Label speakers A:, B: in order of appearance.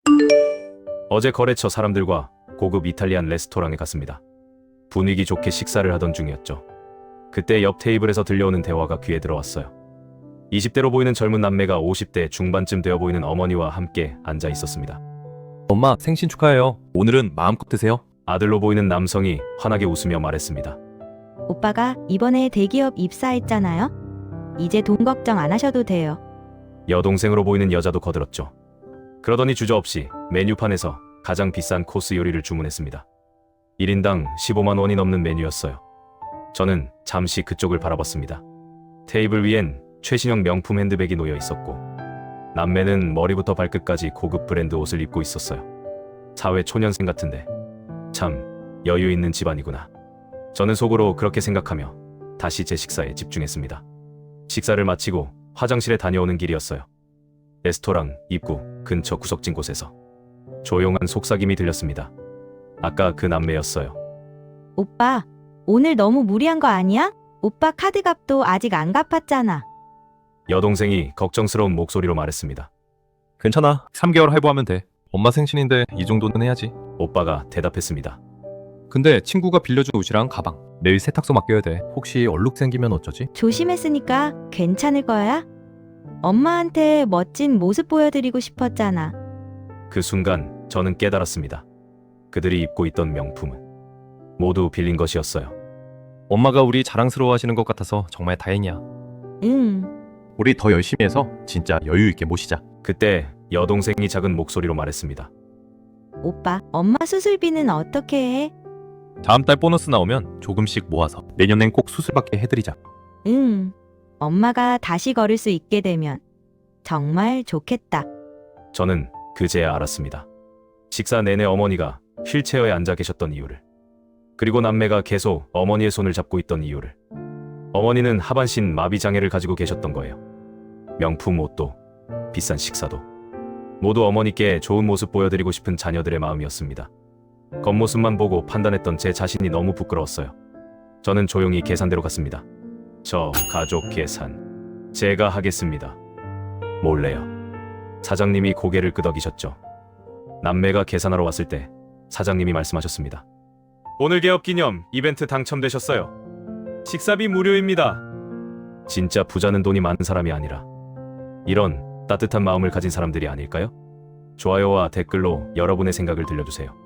A: 어제 거래처 사람들과 고급 이탈리안 레스토랑에 갔습니다. 분위기 좋게 식사를 하던 중이었죠. 그때 옆 테이블에서 들려오는 대화가 귀에 들어왔어요. 20대로 보이는 젊은 남매가 50대 중반쯤 되어 보이는 어머니와 함께 앉아 있었습니다.
B: 엄마 생신 축하해요. 오늘은 마음껏 드세요.
A: 아들로 보이는 남성이 환하게 웃으며 말했습니다.
C: 오빠가 이번에 대기업 입사했잖아요. 이제 돈 걱정 안 하셔도 돼요.
A: 여동생으로 보이는 여자도 거들었죠. 그러더니 주저없이 메뉴판에서 가장 비싼 코스 요리를 주문했습니다. 1인당 15만 원이 넘는 메뉴였어요. 저는 잠시 그쪽을 바라봤습니다. 테이블 위엔 최신형 명품 핸드백이 놓여 있었고 남매는 머리부터 발끝까지 고급 브랜드 옷을 입고 있었어요. 사회 초년생 같은데 참 여유 있는 집안이구나. 저는 속으로 그렇게 생각하며 다시 제 식사에 집중했습니다. 식사를 마치고 화장실에 다녀오는 길이었어요. 레스토랑 입구 근처 구석진 곳에서 조용한 속삭임이 들렸습니다. 아까 그 남매였어요.
C: 오빠, 오늘 너무 무리한 거 아니야? 오빠 카드값도 아직 안 갚았잖아.
A: 여동생이 걱정스러운 목소리로 말했습니다.
B: 괜찮아. 3개월 할부하면 돼. 엄마 생신인데 이 정도는 해야지.
A: 오빠가 대답했습니다.
B: 근데 친구가 빌려준 옷이랑 가방 내일 세탁소 맡겨야 돼. 혹시 얼룩 생기면 어쩌지?
C: 조심했으니까 괜찮을 거야? 엄마한테 멋진 모습 보여드리고 싶었잖아.
A: 그 순간 저는 깨달았습니다. 그들이 입고 있던 명품은 모두 빌린 것이었어요.
B: 엄마가 우리 자랑스러워하시는 것 같아서 정말 다행이야.
C: 응.
B: 우리 더 열심히 해서 진짜 여유 있게 모시자.
A: 그때 여동생이 작은 목소리로 말했습니다.
C: 오빠, 엄마 수술비는 어떻게 해?
B: 다음 달 보너스 나오면 조금씩 모아서 내년엔 꼭 수술받게 해드리자.
C: 응. 엄마가 다시 걸을 수 있게 되면 정말 좋겠다.
A: 저는 그제야 알았습니다. 식사 내내 어머니가 휠체어에 앉아 계셨던 이유를, 그리고 남매가 계속 어머니의 손을 잡고 있던 이유를. 어머니는 하반신 마비 장애를 가지고 계셨던 거예요. 명품 옷도 비싼 식사도 모두 어머니께 좋은 모습 보여드리고 싶은 자녀들의 마음이었습니다. 겉모습만 보고 판단했던 제 자신이 너무 부끄러웠어요. 저는 조용히 계산대로 갔습니다. 저 가족 계산 제가 하겠습니다. 몰래요. 사장님이 고개를 끄덕이셨죠. 남매가 계산하러 왔을 때 사장님이 말씀하셨습니다. 오늘 개업 기념 이벤트 당첨되셨어요. 식사비 무료입니다. 진짜 부자는 돈이 많은 사람이 아니라 이런 따뜻한 마음을 가진 사람들이 아닐까요? 좋아요와 댓글로 여러분의 생각을 들려주세요.